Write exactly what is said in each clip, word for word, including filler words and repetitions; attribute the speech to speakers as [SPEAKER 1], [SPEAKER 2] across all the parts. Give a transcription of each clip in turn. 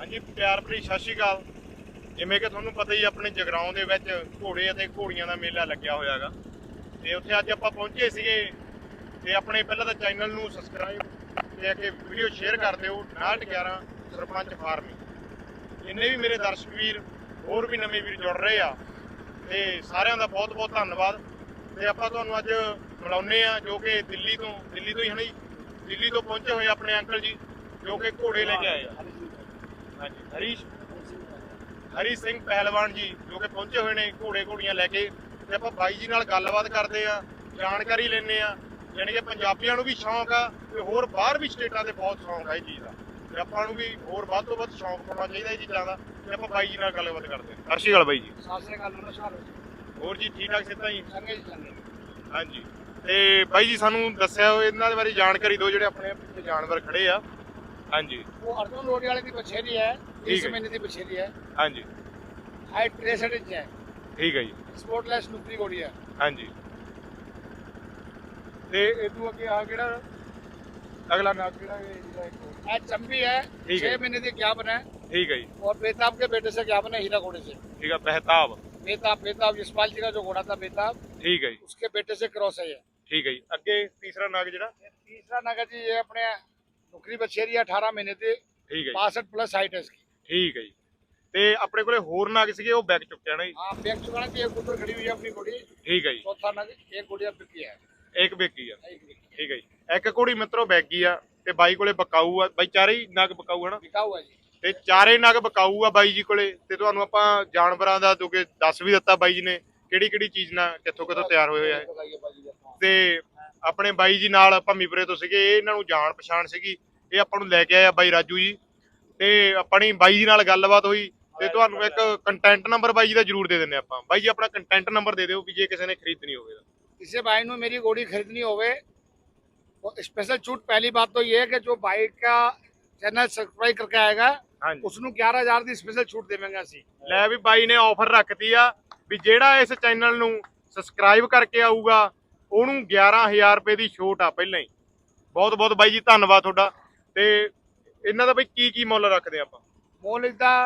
[SPEAKER 1] ਹਾਂਜੀ ਪਿਆਰ ਭਰੀ ਸਤਿ ਸ਼੍ਰੀ ਅਕਾਲ। ਜਿਵੇਂ ਕਿ ਤੁਹਾਨੂੰ ਪਤਾ ਹੀ ਆਪਣੇ ਜਗਰਾਉਂ ਦੇ ਵਿੱਚ ਘੋੜੇ ਅਤੇ ਘੋੜੀਆਂ ਦਾ ਮੇਲਾ ਲੱਗਿਆ ਹੋਇਆ ਹੈਗਾ ਤੇ ਉੱਥੇ ਅੱਜ ਆਪਾਂ ਪਹੁੰਚੇ ਸੀਗੇ ਤੇ ਆਪਣੇ ਪਹਿਲਾਂ ਤਾਂ ਚੈਨਲ ਨੂੰ ਸਬਸਕ੍ਰਾਈਬ ਤੇ ਅੱਗੇ ਵੀਡੀਓ ਸ਼ੇਅਰ ਕਰ ਦਿਓ। ਉਨਾਹਠ ਗਿਆਰਾਂ ਸਰਪੰਚ ਫਾਰਮਿੰਗ ਜਿੰਨੇ ਵੀ ਮੇਰੇ ਦਰਸ਼ਕ ਵੀਰ ਹੋਰ ਵੀ ਨਵੇਂ ਵੀਰ ਜੁੜ ਰਹੇ ਆ ਤੇ ਸਾਰਿਆਂ ਦਾ ਬਹੁਤ ਬਹੁਤ ਧੰਨਵਾਦ। ਤੇ ਆਪਾਂ ਤੁਹਾਨੂੰ ਅੱਜ ਮਿਲਾਉਂਦੇ ਆ ਜੋ ਕਿ ਦਿੱਲੀ ਤੋਂ ਦਿੱਲੀ ਤੋਂ ਹੀ ਹਣੀ ਦਿੱਲੀ ਤੋਂ ਪਹੁੰਚੇ ਹੋਏ ਆਪਣੇ ਅੰਕਲ ਜੀ ਜੋ ਕਿ ਘੋੜੇ ਲੈ ਕੇ ਆਏ ਆ। ਹਾਂਜੀ ਹਰੀ ਹਰੀ ਸਿੰਘ ਪਹਿਲਵਾਨ ਜੀ ਜੋ ਕਿ ਪਹੁੰਚੇ ਹੋਏ ਨੇ ਘੋੜੇ ਘੋੜੀਆਂ ਲੈ ਕੇ ਤੇ ਆਪਾਂ ਬਾਈ ਜੀ ਨਾਲ ਗੱਲਬਾਤ ਕਰਦੇ ਆ, ਜਾਣਕਾਰੀ ਲੈਂਦੇ ਆ। ਯਾਨੀ ਕਿ ਪੰਜਾਬੀਆਂ ਨੂੰ ਵੀ ਸ਼ੌਂਕ ਆ ਤੇ ਹੋਰ ਬਾਹਰ ਵੀ ਸਟੇਟਾਂ ਦੇ ਬਹੁਤ ਸ਼ੌਂਕ ਆ ਇਹ ਚੀਜ਼ ਦਾ ਤੇ ਆਪਾਂ ਨੂੰ ਵੀ ਹੋਰ ਵੱਧ ਤੋਂ ਵੱਧ ਸ਼ੌਂਕ ਪਾਉਣਾ ਚਾਹੀਦਾ ਇਹ ਚੀਜ਼ਾਂ ਦਾ ਤੇ ਆਪਾਂ ਬਾਈ ਜੀ ਨਾਲ ਗੱਲਬਾਤ ਕਰਦੇ ਆ। ਸਤਿ ਸ਼੍ਰੀ ਅਕਾਲ ਬਾਈ ਜੀ।
[SPEAKER 2] ਸਤਿ ਸ਼੍ਰੀ ਅਕਾਲ, ਨਮਸਕਾਰ।
[SPEAKER 1] ਹੋਰ ਜੀ ਠੀਕ ਠਾਕ ਸਿੱਧਾ ਜੀ?
[SPEAKER 2] ਚੰਗੇ ਜੀ ਚੰਗੇ।
[SPEAKER 1] ਹਾਂਜੀ ਤੇ ਬਾਈ ਜੀ ਸਾਨੂੰ ਦੱਸਿਆ ਇਹਨਾਂ ਦੇ ਬਾਰੇ ਜਾਣਕਾਰੀ ਦਿਓ ਜਿਹੜੇ ਆਪਣੇ ਪਿੱਛੇ ਜਾਨਵਰ ਖੜੇ ਆ। ਹਾਂਜੀ
[SPEAKER 2] ਉਹ ਅਰਜੁਨ ਲੋੜੀ ਵਾਲੇ ਦੀ ਬਛੇਰੀ ਹੈ,
[SPEAKER 1] ਠੀਕ
[SPEAKER 2] ਇਸ
[SPEAKER 1] ਹੈ।
[SPEAKER 2] ਮਹੀਨੇ ਦੀ ਬਛੇਰੀ ਹੈ।
[SPEAKER 1] ਹਾਂਜੀ
[SPEAKER 2] ਹਾਈਟ तिरसठ इंच है।
[SPEAKER 1] ਠੀਕ ਹੈ ਜੀ।
[SPEAKER 2] स्पोर्टलेस नुकरी घोड़ी है।
[SPEAKER 1] ਹਾਂਜੀ ਤੇ ਇਹ ਤੋਂ ਅੱਗੇ ਆ ਕਿਹੜਾ ਅਗਲਾ ਨਾਮ ਕਿਹੜਾ ਹੈ ਜਿਹੜਾ ਇੱਕ ਹੋਰ?
[SPEAKER 2] आज चंबी है,
[SPEAKER 1] ठीक है।
[SPEAKER 2] छह महीने की ज्ञापन है
[SPEAKER 1] ਠੀਕ ਹੈ ਜੀ।
[SPEAKER 2] और बेताब के बेटे से ज्ञापन है, हीरा घोड़े से।
[SPEAKER 1] ਠੀਕ ਹੈ ਬਹਿਤਾਬ।
[SPEAKER 2] बेताब बेताब यशपाल जी का जो घोड़ा था बेताब,
[SPEAKER 1] ਠੀਕ ਹੈ ਜੀ।
[SPEAKER 2] उसके बेटे से क्रॉस है ये।
[SPEAKER 1] ਠੀਕ ਹੈ ਜੀ। ਅੱਗੇ ਤੀਸਰਾ ਨਾਗ ਜਿਹੜਾ?
[SPEAKER 2] तीसरा नगर जी ये अपने नुकरी बछेरी है, अठारह महीने की,
[SPEAKER 1] ਠੀਕ ਹੈ ਜੀ।
[SPEAKER 2] बासठ प्लस हाइट है इसकी।
[SPEAKER 1] ਠੀਕ ਹੈ ਜੀ। ਤੇ ਆਪਣੇ ਕੋਲੇ ਹੋਰ ਨਾਗ ਸੀਗੇ ਉਹ ਬੈਕ ਚੁੱਕਿਆ ਨਾ ਜੀ?
[SPEAKER 2] हाँ बैग चुकाना की एक ऊपर खड़ी हुई है अपनी घोड़ी।
[SPEAKER 1] ਠੀਕ ਹੈ ਜੀ।
[SPEAKER 2] चौथा नग एक घोड़ी अब बिकी है।
[SPEAKER 1] ਇੱਕ ਬੇਕੀ ਆ।
[SPEAKER 2] एक बिकी
[SPEAKER 1] ਠੀਕ ਹੈ ਜੀ। ਇੱਕ ਘੋੜੀ ਮਿੱਤਰੋ ਬੈਗੀ ਆ ਤੇ ਬਾਈ ਕੋਲੇ ਬਕਾਊ ਆ। ਬਾਈ ਚਾਰੇ ਹੀ ਨਗ ਬਕਾਊ ਹਨਾ?
[SPEAKER 2] बिका हुआ है जी।
[SPEAKER 1] ਤੇ ਚਾਰੇ ਨਗ ਬਕਾਊ ਆ ਬਾਈ ਜੀ ਕੋਲੇ ਤੇ ਤੁਹਾਨੂੰ ਆਪਾਂ ਜਾਨਵਰਾਂ ਦਾ ਜੋ ਕਿ ਦੱਸ ਵੀ ਦਿੱਤਾ ਬਾਈ ਜੀ ਨੇ ਕਿਹੜੀ ਕਿਹੜੀ ਚੀਜ਼ ਨਾਲ ਕਿੱਥੋਂ ਕਿੱਥੋਂ ਤਿਆਰ ਹੋਏ ਹੋਏ ਆ ਇਹ।
[SPEAKER 2] बताइए बाजी जी।
[SPEAKER 1] ਤੇ ਆਪਣੇ ਬਾਈ ਜੀ ਨਾਲ ਭੰਮੀਪੁਰੇ ਤੋਂ ਸੀਗੇ, ਇਹ ਇਹਨਾਂ ਨੂੰ ਜਾਣ ਪਛਾਣ ਸੀਗੀ, ਇਹ ਆਪਾਂ ਨੂੰ ਲੈ ਕੇ ਆਇਆ ਬਾਈ ਰਾਜੂ ਜੀ ਤੇ ਆਪਣੀ ਬਾਈ ਜੀ ਨਾਲ ਗੱਲਬਾਤ ਹੋਈ ਤੇ ਤੁਹਾਨੂੰ ਇੱਕ ਕੰਟੈਂਟ ਨੰਬਰ ਬਾਈ ਜੀ ਦਾ ਜ਼ਰੂਰ ਦੇ ਦਿੰਨੇ ਆਪਾਂ। ਬਾਈ ਜੀ ਆਪਣਾ ਕੰਟੈਂਟ ਨੰਬਰ ਦੇ ਦਿਓ ਵੀ ਜੇ ਕਿਸੇ ਨੇ ਖਰੀਦਣੀ ਹੋਵੇ।
[SPEAKER 2] किसी भाई ने मेरी घोड़ी खरीदनी होवे तो स्पेशल छूट पहली बात तो ये है कि जो भाई का चैनल सब्सक्राइब करके आएगा
[SPEAKER 1] ਹਾਂਜੀ
[SPEAKER 2] उसनु ग्यारह हजार की स्पेशल छूट देवेंगे ਅਸੀਂ।
[SPEAKER 1] ਲੈ ਵੀ ਬਾਈ ਨੇ ਆਫਰ ਰੱਖਤੀ ਆ ਵੀ ਜਿਹੜਾ ਇਸ ਚੈਨਲ ਨੂੰ ਸਬਸਕ੍ਰਾਈਬ ਕਰਕੇ ਆਊਗਾ ਉਹਨੂੰ ਗਿਆਰਾਂ ਹਜ਼ਾਰ ਰੁਪਏ ਦੀ ਛੋਟ ਆ ਪਹਿਲਾਂ ਹੀ। ਬਹੁਤ ਬਹੁਤ ਬਾਈ ਜੀ ਧੰਨਵਾਦ ਤੁਹਾਡਾ। ਤੇ ਇਹਨਾਂ ਦਾ ਬਈ ਕੀ ਕੀ ਮੁੱਲ ਰੱਖਦੇ ਆਪਾਂ?
[SPEAKER 2] मोल इधर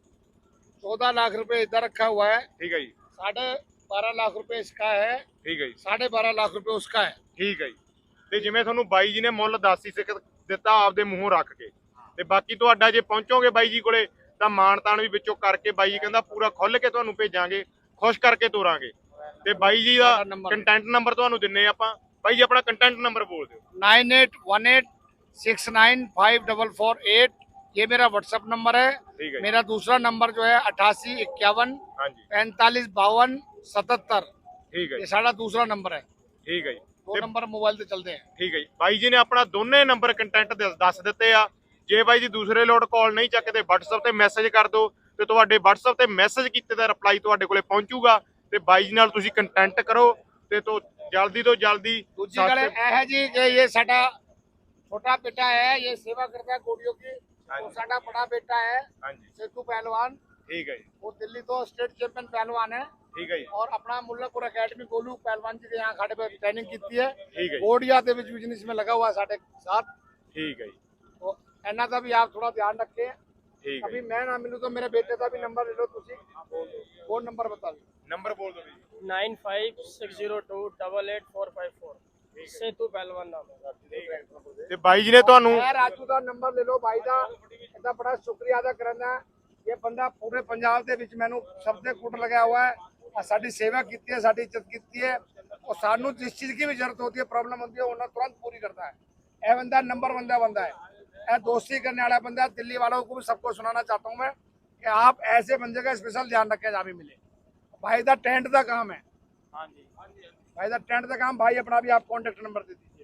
[SPEAKER 2] चौदह लाख रुपए इधर रखा हुआ है,
[SPEAKER 1] ਠੀਕ ਹੈ ਜੀ।
[SPEAKER 2] साढ़े बारह लाख रुपए इसका है,
[SPEAKER 1] ਠੀਕ ਹੈ ਜੀ।
[SPEAKER 2] साढ़े बारह लाख रुपए उसका है।
[SPEAKER 1] ਠੀਕ ਹੈ ਜੀ। ਤੇ ਜਿਵੇਂ ਤੁਹਾਨੂੰ ਬਾਈ ਜੀ ਨੇ ਮੁੱਲ ਦੱਸ ਹੀ ਸਿੱਖ ਦਿੱਤਾ ਆਪਦੇ ਮੂੰਹੋਂ ਰੱਖ ਕੇ ਤੇ ਬਾਕੀ ਤੁਹਾਡਾ ਜੇ ਪਹੁੰਚੋਗੇ ਬਾਈ ਜੀ ਕੋਲੇ ਤਾਂ ਮਾਣ ਤਾਣ ਵੀ ਵਿੱਚੋਂ ਕਰਕੇ ਬਾਈ ਜੀ ਕਹਿੰਦਾ ਪੂਰਾ ਖੁੱਲ ਕੇ ਤੁਹਾਨੂੰ ਭੇਜਾਂਗੇ, ਖੁਸ਼ ਕਰਕੇ ਤੋਰਾਂਗੇ। ਤੇ ਬਾਈ ਜੀ ਦਾ ਕੰਟੈਂਟ ਨੰਬਰ ਤੁਹਾਨੂੰ ਦਿੰਨੇ ਆਪਾਂ। ਬਾਈ ਜੀ ਆਪਣਾ ਕੰਟੈਂਟ ਨੰਬਰ ਬੋਲ ਦਿਓ।
[SPEAKER 2] Nine eight one eight six nine five double four eight ये मेरा व्हाट्सएप नंबर है।
[SPEAKER 1] ਠੀਕ ਹੈ ਜੀ।
[SPEAKER 2] मेरा दूसरा नंबर जो है अट्ठासी इक्यावन
[SPEAKER 1] ਹਾਂਜੀ
[SPEAKER 2] पैंतालीस बावन सतहत्तर,
[SPEAKER 1] ਠੀਕ ਹੈ
[SPEAKER 2] ये
[SPEAKER 1] ਜੀ।
[SPEAKER 2] साढ़ा दूसरा नंबर है।
[SPEAKER 1] ਠੀਕ ਹੈ ਜੀ।
[SPEAKER 2] दो नंबर मोबाइल से चलते हैं।
[SPEAKER 1] ਠੀਕ ਹੈ ਜੀ। ਬਾਈ ਜੀ ਨੇ ਆਪਣਾ ਦੋਨੇ ਨੰਬਰ ਕੰਟੈਂਟ ਦੱਸ ਦਿੱਤੇ ਆ। ਜੇ ਬਾਈ ਜੀ ਦੂਸਰੇ ਲੋਟ ਕਾਲ ਨਹੀਂ ਚੱਕਦੇ WhatsApp ਤੇ ਮੈਸੇਜ ਕਰ ਦਿਓ ਤੇ ਤੁਹਾਡੇ WhatsApp ਤੇ ਮੈਸੇਜ ਕੀਤੇ ਦਾ ਰਿਪਲਾਈ ਤੁਹਾਡੇ ਕੋਲੇ ਪਹੁੰਚੂਗਾ ਤੇ ਬਾਈ ਜੀ ਨਾਲ ਤੁਸੀਂ ਕੰਟੈਂਟ ਕਰੋ ਤੇ ਤੋਂ ਜਲਦੀ ਤੋਂ ਜਲਦੀ
[SPEAKER 2] दूसरी गल यह है जी कि ये साडा छोटा बेटा है, ये सेवा करता है घोड़ियों की।
[SPEAKER 1] हाँ
[SPEAKER 2] वो
[SPEAKER 1] जी।
[SPEAKER 2] साडा बड़ा बेटा है
[SPEAKER 1] ਹਾਂਜੀ
[SPEAKER 2] सेतु पहलवान,
[SPEAKER 1] ਠੀਕ ਹੈ ਜੀ।
[SPEAKER 2] वो दिल्ली तो स्टेट चैंपियन पहलवान है।
[SPEAKER 1] ਠੀਕ ਹੈ ਜੀ।
[SPEAKER 2] और अपना मुल्लापुर अकेडमी गोलू पहलवान जी के यहाँ खाड़े पे ट्रेनिंग की है।
[SPEAKER 1] ਠੀਕ ਹੈ ਜੀ।
[SPEAKER 2] घोड़िया के बीच बिजनेस में लगा हुआ है साढ़े साथ।
[SPEAKER 1] ਠੀਕ ਹੈ ਜੀ।
[SPEAKER 2] तो इन्ना का भी आप थोड़ा ध्यान रखें।
[SPEAKER 1] ਠੀਕ ਹੈ
[SPEAKER 2] अभी
[SPEAKER 1] ਜੀ।
[SPEAKER 2] मैं ना मिलूँ तो मेरे बेटे का भी नंबर ले लो तुसी। वो नंबर बता दो।
[SPEAKER 1] ਨੰਬਰ ਬੋਲ ਦਿਓ ਜੀ।
[SPEAKER 3] Nine five six zero two double eight four five four Setu Pahalwan नाम है।
[SPEAKER 1] ਤੇ ਬਾਈ ਜੀ ਨੇ ਤੁਹਾਨੂੰ
[SPEAKER 2] मैं राजू का नंबर ले लो भाई का, इतना बड़ा शुक्रिया अदा करना। ये बंदा पूरे पंजाब के विच मैनू सब दे कुट लगा हुआ है और साडी सेवा की है, साडी इज्जत की है और सानू जिस चीज की भी जरूरत होती है, प्रॉब्लम होती है, उन्हें तुरंत पूरी करता है। यह बंदा नंबर बंदा बंदा है, यह दोस्ती करने वाला बंदा है। दिल्ली वालों को भी सबको सुनाना चाहता हूँ मैं कि आप ऐसे बंदे का स्पेशल ध्यान रखें जहाँ भी मिले। भाई का टेंट का काम है।
[SPEAKER 3] हाँ जी
[SPEAKER 2] भाई का टेंट का काम, भाई अपना भी आप कॉन्टेक्ट नंबर दे दीजिए।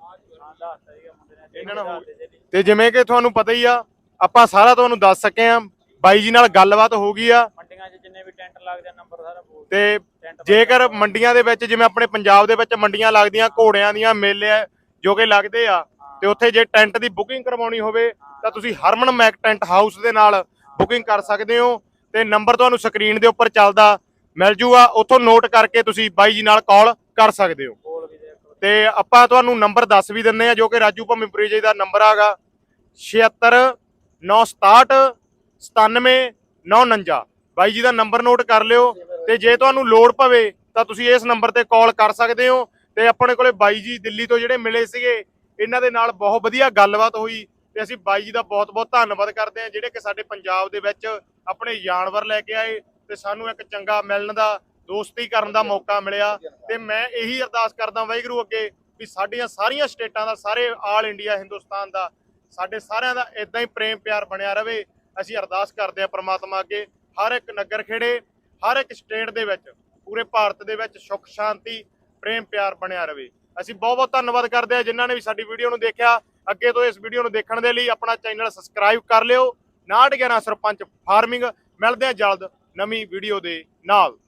[SPEAKER 1] ਇਹਨਾਂ ਨਾਲ ਹੋ ਤੇ ਜਿਵੇਂ ਕਿ ਤੁਹਾਨੂੰ ਪਤਾ ਹੀ ਆ ਆਪਾਂ ਸਾਰਾ ਤੁਹਾਨੂੰ ਦੱਸ ਸਕੇ ਆ। ਬਾਈ ਜੀ ਨਾਲ ਗੱਲਬਾਤ ਹੋ ਗਈ ਆ
[SPEAKER 3] ਮੰਡੀਆਂ 'ਚ ਜਿੰਨੇ ਵੀ ਟੈਂਟ ਲੱਗਦੇ ਆ ਨੰਬਰ ਸਾਰਾ ਬੋਲ
[SPEAKER 1] ਤੇ ਜੇਕਰ ਮੰਡੀਆਂ ਦੇ ਵਿੱਚ ਜਿਵੇਂ ਆਪਣੇ ਪੰਜਾਬ ਦੇ ਵਿੱਚ ਮੰਡੀਆਂ ਲੱਗਦੀਆਂ ਘੋੜਿਆਂ ਦੀਆਂ ਮੇਲੇ ਜੋ ਕਿ ਲੱਗਦੇ ਆ ਤੇ ਉੱਥੇ ਜੇ ਟੈਂਟ ਦੀ ਬੁਕਿੰਗ ਕਰਵਾਉਣੀ ਹੋਵੇ ਤਾਂ ਤੁਸੀਂ ਹਰਮਨ ਮੈਕ ਟੈਂਟ ਹਾਊਸ ਦੇ ਨਾਲ ਬੁਕਿੰਗ ਕਰ ਸਕਦੇ ਹੋ ਤੇ ਨੰਬਰ ਤੁਹਾਨੂੰ ਸਕਰੀਨ ਦੇ ਉੱਪਰ ਚੱਲਦਾ ਮਿਲ ਜੂਗਾ, ਉੱਥੋਂ ਨੋਟ ਕਰਕੇ ਤੁਸੀਂ ਬਾਈ ਜੀ ਨਾਲ ਕਾਲ ਕਰ ਸਕਦੇ ਹੋ।
[SPEAKER 3] ਬੋਲ ਵੀ ਦੇ
[SPEAKER 1] ਤੇ ਆਪਾਂ ਤੁਹਾਨੂੰ ਨੰਬਰ ਦੱਸ ਵੀ ਦਿੰਨੇ ਆ ਜੋ ਕਿ ਰਾਜੂ ਭੰਮੀਪੁਰੀ ਜੀ ਦਾ ਨੰਬਰ ਆਗਾ ਛਿਅੱਤਰ ਨੌ ਸਤਾਹਠ ਸਤਾਨਵੇਂ ਨੌ ਉਣੰਜਾ। ਬਾਈ ਜੀ ਦਾ ਨੰਬਰ ਨੋਟ ਕਰ ਲਿਓ ਤੇ ਜੇ ਤੁਹਾਨੂੰ ਲੋੜ ਪਵੇ ਤਾਂ ਤੁਸੀਂ ਇਸ ਨੰਬਰ ਤੇ ਕਾਲ ਕਰ ਸਕਦੇ ਹੋ। ਤੇ ਆਪਣੇ ਕੋਲੇ ਬਾਈ ਜੀ ਦਿੱਲੀ ਤੋਂ ਜਿਹੜੇ ਮਿਲੇ ਸੀਗੇ, ਇਹਨਾਂ ਦੇ ਨਾਲ ਬਹੁਤ ਵਧੀਆ ਗੱਲਬਾਤ ਹੋਈ ਤੇ ਅਸੀਂ ਬਾਈ ਜੀ ਦਾ ਬਹੁਤ ਬਹੁਤ ਧੰਨਵਾਦ ਕਰਦੇ ਹਾਂ ਜਿਹੜੇ ਕਿ ਸਾਡੇ ਪੰਜਾਬ ਦੇ ਵਿੱਚ ਆਪਣੇ ਜਾਨਵਰ ਲੈ ਕੇ ਆਏ ਤੇ ਸਾਨੂੰ ਇੱਕ ਚੰਗਾ ਮਿਲਣ ਦਾ, ਦੋਸਤੀ ਕਰਨ ਦਾ ਮੌਕਾ ਮਿਲਿਆ। ਤੇ ਮੈਂ ਇਹੀ ਅਰਦਾਸ ਕਰਦਾ ਵਾਹਿਗੁਰੂ ਅੱਗੇ ਵੀ ਸਾਡੀਆਂ ਸਾਰੀਆਂ ਸਟੇਟਾਂ ਦਾ, ਸਾਰੇ ਆਲ ਇੰਡੀਆ ਹਿੰਦੁਸਤਾਨ ਦਾ, ਸਾਡੇ ਸਾਰਿਆਂ ਦਾ ਇਦਾਂ ਹੀ ਪ੍ਰੇਮ ਪਿਆਰ ਬਣਿਆ ਰਵੇ। ਅਸੀਂ ਅਰਦਾਸ ਕਰਦੇ ਹਾਂ ਪ੍ਰਮਾਤਮਾ ਅੱਗੇ, ਹਰ ਇੱਕ ਨਗਰ ਖੇੜੇ, ਹਰ ਇੱਕ ਸਟੇਟ ਦੇ ਵਿੱਚ, ਪੂਰੇ ਭਾਰਤ ਦੇ ਵਿੱਚ ਸੁੱਖ ਸ਼ਾਂਤੀ ਪ੍ਰੇਮ ਪਿਆਰ ਬਣਿਆ ਰਵੇ। ਅਸੀਂ ਬਹੁਤ ਬਹੁਤ ਧੰਨਵਾਦ ਕਰਦੇ ਹਾਂ ਜਿਨ੍ਹਾਂ ਨੇ ਵੀ ਸਾਡੀ ਵੀਡੀਓ ਨੂੰ ਦੇਖਿਆ। ਅੱਗੇ ਤੋਂ ਇਸ ਵੀਡੀਓ ਨੂੰ ਦੇਖਣ ਦੇ ਲਈ ਆਪਣਾ ਚੈਨਲ ਸਬਸਕ੍ਰਾਈਬ ਕਰ ਲਿਓ। ਉਨਾਹਠ ਗਿਆਰਾਂ ਸਰਪੰਚ ਫਾਰਮਿੰਗ। ਮਿਲਦੇ ਹਾਂ ਜਲਦ ਨਵੀਂ ਵੀਡੀਓ ਦੇ ਨਾਲ।